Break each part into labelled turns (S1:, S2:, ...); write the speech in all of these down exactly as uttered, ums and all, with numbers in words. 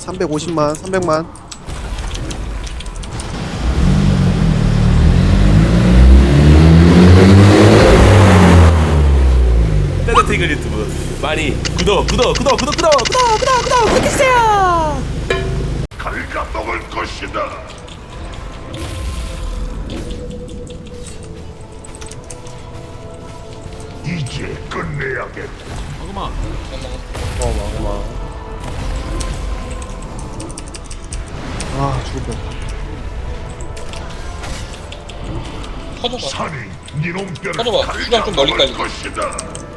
S1: 삼백오십만, 삼백만.
S2: 떼떼테이글 유튜브 많이 구독 구독 구독 구독 구독 구독 구독 구독 구독해주세요.
S3: 갉아먹을 것이다. 이제 끝내야겠다.
S4: 잠깐만.
S1: 어마 어마. 아 죽을 뻔.
S5: 터져봐.
S3: 산이 니놈 뼈를
S5: 터져봐. 수강 좀 멀리
S3: 갉아먹을
S5: 깔리게.
S3: 것이다.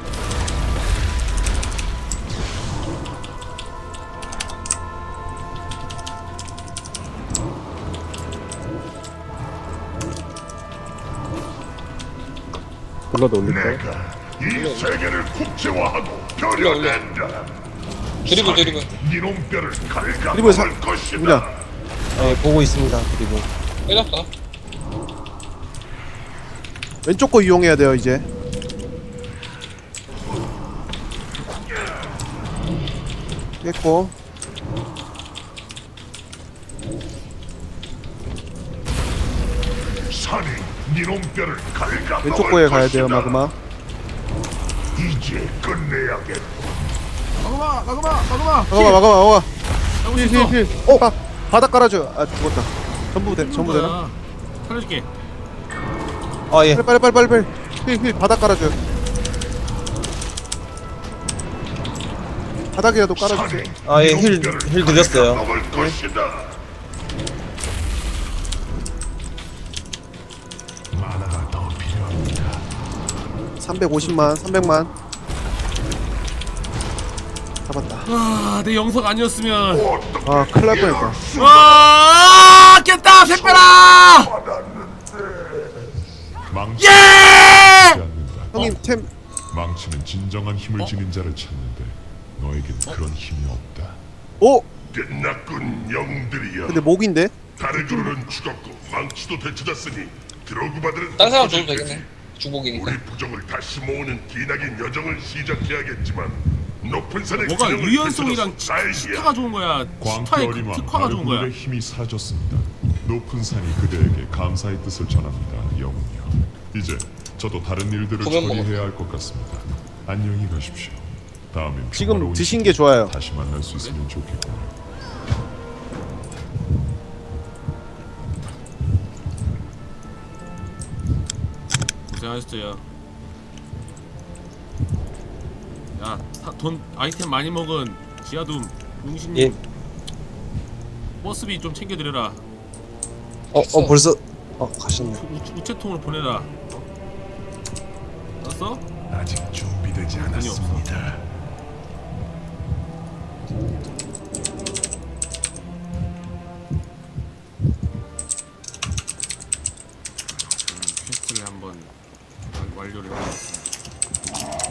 S1: 불러도 올릴까?
S3: 내가 이 세계를 국제화하고
S5: 올려, 올려.
S3: 벼려낸다.
S5: 드리블 드리블.
S3: 니놈 뼈를
S1: 드리블 사-
S3: 갉아먹을 것이다.
S1: 누구냐? 네 보고 있습니다. 그리고
S5: 빼놨어.
S1: 왼쪽 거 이용해야 돼요 이제. 깼고
S3: 산이 니놈 뼈를 갉아먹을
S1: 왼쪽 거에 가야
S3: 것이다.
S1: 돼요 마그마.
S3: 이제 끝내야겠다.
S4: 마그마, 마그마, 마그마.
S1: 마그마 마그마 마그마.
S4: 잡을 수 있어.
S1: 힐힐. 어 바, 바닥 깔아줘. 아 죽었다. 전부 돼 전부 되나?
S4: 뭐야. 살려줄게.
S6: 아 예.
S1: 빨리 빨리 빨리 빨리. 힐힐 바닥 깔아줘. 바닥이라도 깔아주세요.
S6: 아, 예, 힐- 힐 드렸어요.
S3: 먹을 것이다. 만화가 더 필요합니다.
S1: 삼백오십만, 삼백만. 잡았다.
S4: 아, 내 영석 아니었으면.
S1: 아 큰일 날 뻔했다.
S4: 와, 깼다. 샛별아.
S3: 망치.
S4: 예!
S1: 형님 템.
S3: 망치는 진정한 힘을 지닌 자를 찾는데 너에겐 그런 힘이 없다.
S1: 오.
S3: 끝났군 영들이여.
S1: 근데 목인데?
S3: 다르그루는 죽었고 망치도 되찾았으니 드로그바들은
S5: 다른 사람
S3: 없어질
S5: 줘도
S3: 테지.
S5: 되겠네. 주복이니까.
S3: 우리 부족을 다시 모으는 기나긴 여정을 시작해야겠지만 높은 산의
S4: 뭐가
S3: 균형을
S4: 유연성이랑
S3: 되찾아서 날이야.
S4: 스타가 좋은 거야. 스타의 그
S7: 광태어리와
S4: 특화가 좋은 거야.
S7: 다르그룹의 힘이 사라졌습니다. 높은 산이 그대에게 감사의 뜻을 전합니다, 영웅이여. 이제 저도 다른 일들을
S5: 보면
S7: 처리해야 할 것 같습니다. 안녕히 가십시오. 다음엔
S1: 지금
S7: 평화로운
S1: 드신 게 좋아요.
S7: 다시 만날 수 있으면 좋겠군요.
S4: 고생하셨어요. 야, 사, 돈 아이템 많이 먹은 지하둠 용신님
S6: 예.
S4: 버스비 좀 챙겨드려라.
S6: 어, 어 벌써 어 가셨네.
S4: 우, 우체통으로 보내라. 알았어?
S3: 아직 준비되지
S4: 돈이 없어. 퀘스트를 한번 완- 완료를 해보겠습니다.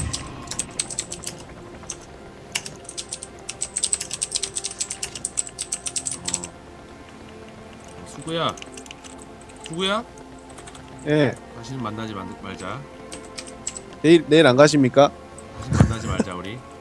S4: 어. 수구야, 수구야,
S1: 예.
S4: 다시는 만나지 말- 말자.
S1: 내일 내일 안 가십니까?
S4: 다시 만나지 말자 우리.